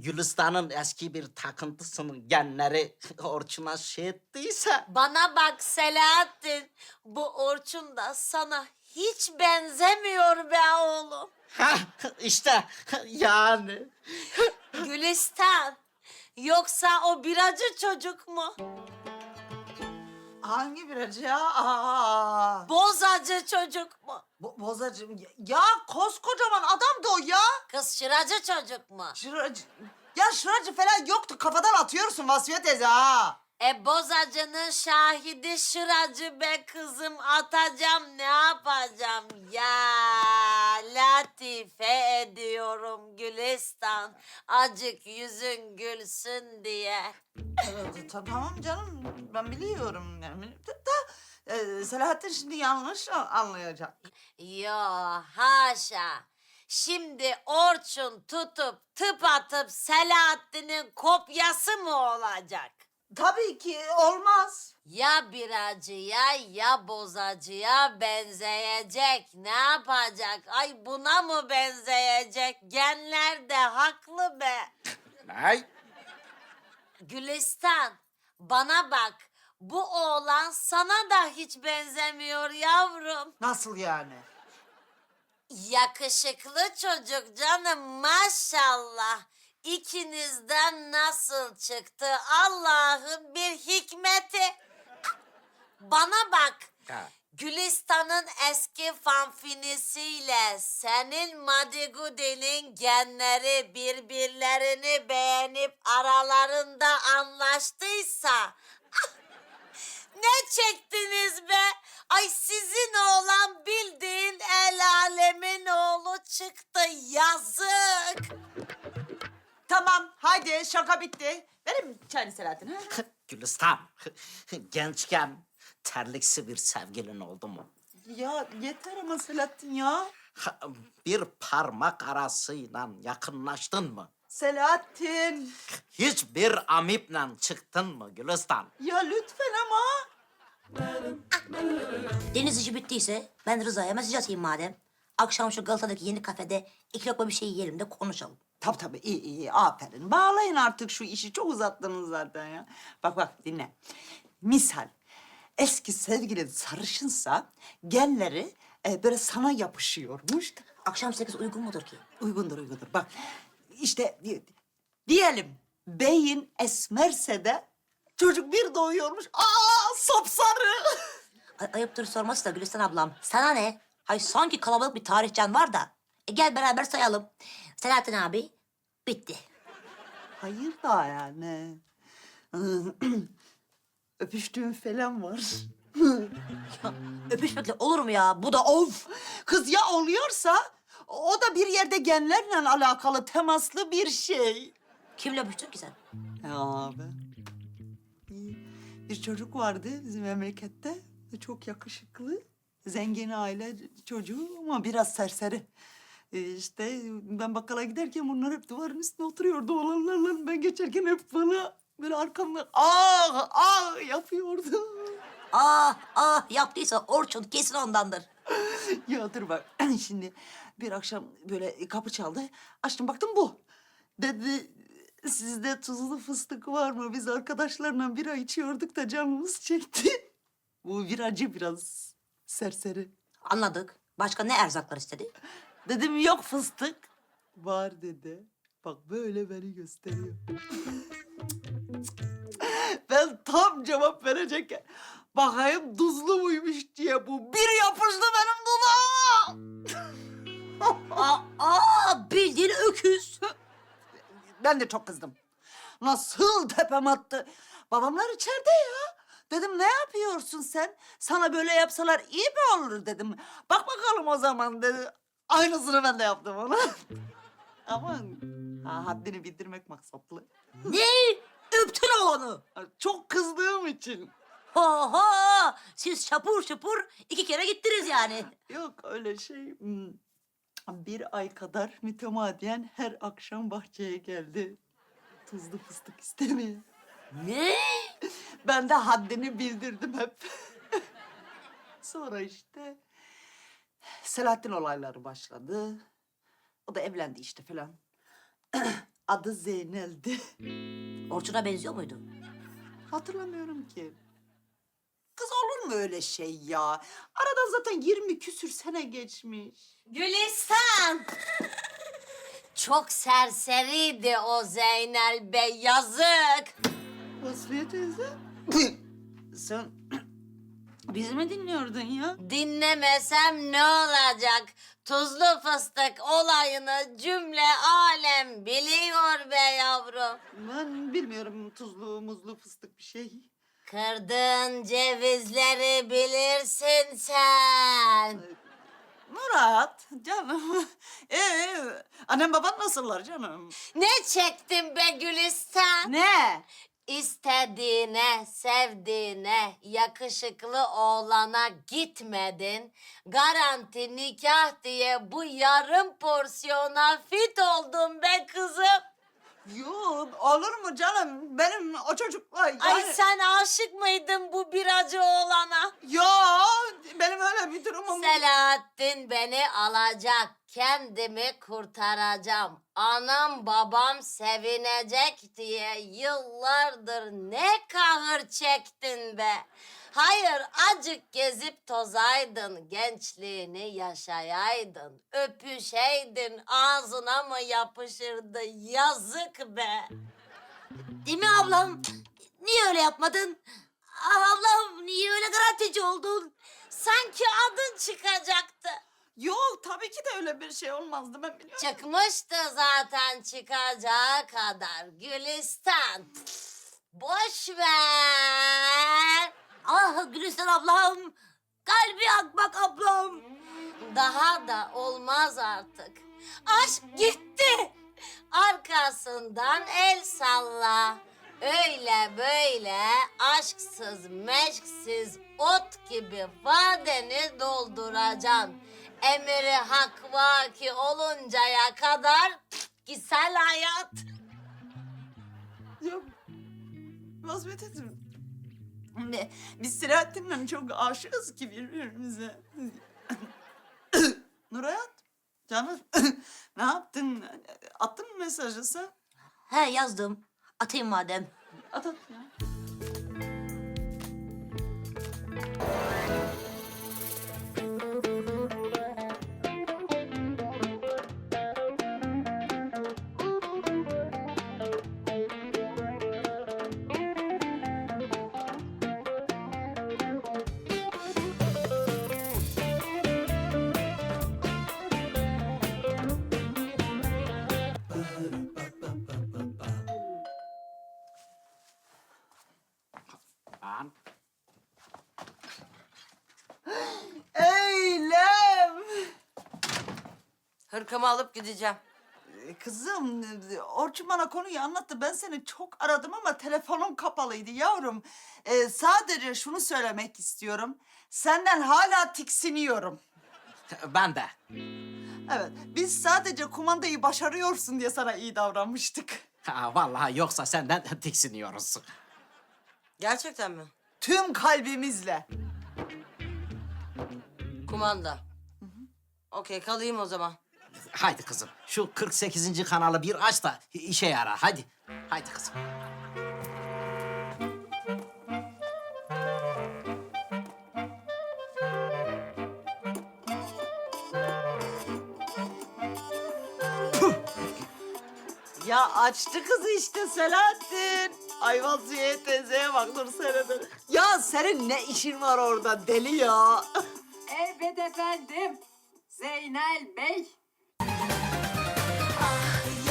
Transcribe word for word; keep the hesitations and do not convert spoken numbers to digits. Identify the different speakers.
Speaker 1: Gülistan'ın eski bir takıntısının genleri Orçun'a şey ettiyse...
Speaker 2: Bana bak Selahattin, bu Orçun da sana hiç benzemiyor be oğlum.
Speaker 1: Hah, işte yani.
Speaker 2: Gülistan, yoksa o biracı çocuk mu?
Speaker 3: Hangi biracı ya? Aa,
Speaker 2: Bozacı çocuk mu?
Speaker 3: Bo bozacım. Ya, ya koskocaman adamdı o ya.
Speaker 2: Kız şıracı çocuk mu?
Speaker 3: Şıracı. Ya şıracı falan yoktu. Kafadan atıyorsun Vasfiye teyze ha.
Speaker 2: E bozacının şahidi şıracı be kızım, atacağım ne yapacağım ya, latife ediyorum Gülistan, acık yüzün gülsün diye.
Speaker 3: Evet, ta- tamam canım. Ben biliyorum. Yani. Da, da, e, Selahattin şimdi yanlış a- anlayacak.
Speaker 2: Yo haşa, şimdi Orçun tutup tıp atıp Selahattin'in kopyası mı olacak?
Speaker 3: Tabii ki olmaz.
Speaker 2: Ya biracıya ya bozacıya benzeyecek. Ne yapacak? Ay buna mı benzeyecek? Genler de haklı be.
Speaker 1: Ne?
Speaker 2: Gülistan, bana bak. Bu oğlan sana da hiç benzemiyor yavrum.
Speaker 3: Nasıl yani?
Speaker 2: Yakışıklı çocuk canım, maşallah. İkinizden nasıl çıktı Allah'ın bir hikmeti. Bana bak.
Speaker 1: Ha.
Speaker 2: Gülistan'ın eski fanfinisiyle senin Madigudi'nin genleri birbirlerini beğenip aralarında anlaştıysa ne çektiniz be? Ay sizin oğlan bildiğin el alemin oğlu çıktı, yazık.
Speaker 3: Tamam haydi şaka bitti. Verin çayını Selahattin. Ha?
Speaker 1: Gülistan, gençken terliksi bir sevgilin oldu mu?
Speaker 3: Ya yeter ama Selahattin ya.
Speaker 1: Ha, bir parmak arasıyla yakınlaştın mı?
Speaker 3: Selahattin.
Speaker 1: Hiçbir amiple çıktın mı Gülistan?
Speaker 3: Ya lütfen ama.
Speaker 4: Deniz işi bittiyse ben Rıza'ya mesaj atayım madem. Akşam şu Galata'daki yeni kafede iki lokma bir şey yiyelim de konuşalım.
Speaker 3: Tabii tabii iyi iyi aferin. Bağlayın artık şu işi çok uzattınız zaten ya. Bak bak dinle. Misal eski sevgilin sarışınsa genleri e, böyle sana yapışıyormuş.
Speaker 4: Akşam sekiz uygun mudur ki?
Speaker 3: Uygundur uygundur. Bak işte di- diyelim beyin esmerse de çocuk bir doğuyormuş. Aa sapsarı.
Speaker 4: Ay, ayıptır sorması da Gülistan ablam. Sana ne? Hay sanki kalabalık bir tarihcan var da. E gel beraber sayalım. Selahattin abi bitti.
Speaker 3: Hayır da yani. Öpüştüğüm falan var.
Speaker 4: Öpüşmekle olur mu ya? Bu da of.
Speaker 3: Kız ya oluyorsa o da bir yerde genlerle alakalı temaslı bir şey.
Speaker 4: Kimle öpüştün ki sen?
Speaker 3: Ya abi. Bir çocuk vardı bizim memlekette. Çok yakışıklı. Zengin aile çocuğu ama biraz serseri. Ee, işte ben bakkala giderken bunlar hep duvarın üstüne oturuyordu olanlarla. Ben geçerken hep bana böyle arkamdan ah ah yapıyordu.
Speaker 4: Ah ah yaptıysa Orçun kesin ondandır.
Speaker 3: Ya dur bak şimdi bir akşam böyle kapı çaldı. Açtım baktım bu. Dedi sizde tuzlu fıstık var mı? Biz arkadaşlarla bira içiyorduk da canımız çekti. Bu biracı biraz serseri.
Speaker 4: Anladık. Başka ne erzaklar istedi?
Speaker 3: Dedim yok fıstık. Var dedi. Bak böyle beni gösteriyor. Ben tam cevap verecekken bakayım tuzlu muymuş diye bu bir yapıştı benim dudağıma.
Speaker 4: Aa, aa bildiğin öküz.
Speaker 3: Ben de çok kızdım. Nasıl tepem attı. Babamlar içeride ya. Dedim ne yapıyorsun sen? Sana böyle yapsalar iyi mi olur dedim. Bak bakalım o zaman dedi. Aynısını ben de yaptım ona. Aman ha, haddini bildirmek maksatlı.
Speaker 4: Ne? Öptün oğlanı.
Speaker 3: Çok kızdığım için.
Speaker 4: Oha! Siz şapur şupur iki kere gittiniz yani.
Speaker 3: Yok öyle şey. Hmm, Bir ay kadar mütemadiyen her akşam bahçeye geldi. Tuzlu fıstık istemeye.
Speaker 4: Ne?
Speaker 3: Ben de haddini bildirdim hep. Sonra işte Selahattin olayları başladı. O da evlendi işte falan. adı Zeynel'di.
Speaker 4: Orçun'a benziyor muydu?
Speaker 3: Hatırlamıyorum ki. Kız olur mu öyle şey ya? Aradan zaten yirmi küsür sene geçmiş.
Speaker 2: Gülistan! Çok serseriydi o Zeynel Bey, yazık.
Speaker 3: Vasfiye teyze. Sen bizi mi dinliyordun ya?
Speaker 2: Dinlemesem ne olacak? Tuzlu fıstık olayını cümle alem biliyor be yavrum.
Speaker 3: Ben bilmiyorum tuzlu muzlu fıstık bir şey.
Speaker 2: Kırdığın cevizleri bilirsin sen.
Speaker 3: Murat canım. Ee, annem baban nasıllar canım?
Speaker 2: Ne çektin be Gülistan?
Speaker 3: Ne?
Speaker 2: İstediğine, sevdiğine, yakışıklı oğlana gitmedin. Garanti nikah diye bu yarım porsiyona fit oldun be kızım.
Speaker 3: Yok olur mu canım? Benim o çocukla yani...
Speaker 2: Ay sen aşık mıydın bu biracı oğlana?
Speaker 3: Yok benim öyle bir durumum.
Speaker 2: Selahattin beni alacak, kendimi kurtaracağım. Anam babam sevinecek diye yıllardır ne kahır çektin be. Hayır, acık gezip tozaydın, gençliğini yaşayaydın. Öpüşeydin, ağzına mı yapışırdı, yazık be.
Speaker 4: Değil mi ablam? Niye öyle yapmadın? Ah ablam niye öyle garantici oldun?
Speaker 2: Sanki adın çıkacaktı.
Speaker 3: Yok tabii ki de öyle bir şey olmazdı ben biliyorum.
Speaker 2: Çıkmıştı zaten çıkacağı kadar Gülistan. Boş ver.
Speaker 4: Ah Gülistan ablam. Kalbi akmak ablam.
Speaker 2: Daha da olmaz artık. Aşk gitti. Arkasından el salla. Öyle böyle aşksız meşksiz ot gibi vadeni dolduracaksın. Emri hak vaki oluncaya kadar güzel hayat.
Speaker 3: Yok. Vasfiye teyzem. Ne, Biz Selahattin'le çok aşığız ki birbirimize. Nurayat, canım ne yaptın? Attın mı mesajı sen?
Speaker 4: He yazdım. Atayım madem.
Speaker 3: At at ya.
Speaker 1: Lan.
Speaker 3: Eylem!
Speaker 2: Hırkamı alıp gideceğim.
Speaker 3: Ee, Kızım, Orçun bana konuyu anlattı. Ben seni çok aradım ama telefonum kapalıydı yavrum. Ee, sadece şunu söylemek istiyorum. Senden hala tiksiniyorum.
Speaker 1: Ben de.
Speaker 3: Evet, biz sadece kumandayı başarıyorsun diye sana iyi davranmıştık.
Speaker 1: Ha, vallahi yoksa senden tiksiniyoruz.
Speaker 2: Gerçekten mi?
Speaker 3: Tüm kalbimizle.
Speaker 2: Kumanda. Okey, kalayım o zaman.
Speaker 1: Haydi kızım, şu kırk sekizinci kanalı bir aç da işe yarar. Hadi, haydi kızım.
Speaker 3: Ya açtı kızı işte Selahattin. Ay Vasfiye teyzeye bak dur seyredin. Ya senin ne işin var orada deli ya?
Speaker 5: Evet efendim. Zeynel Bey.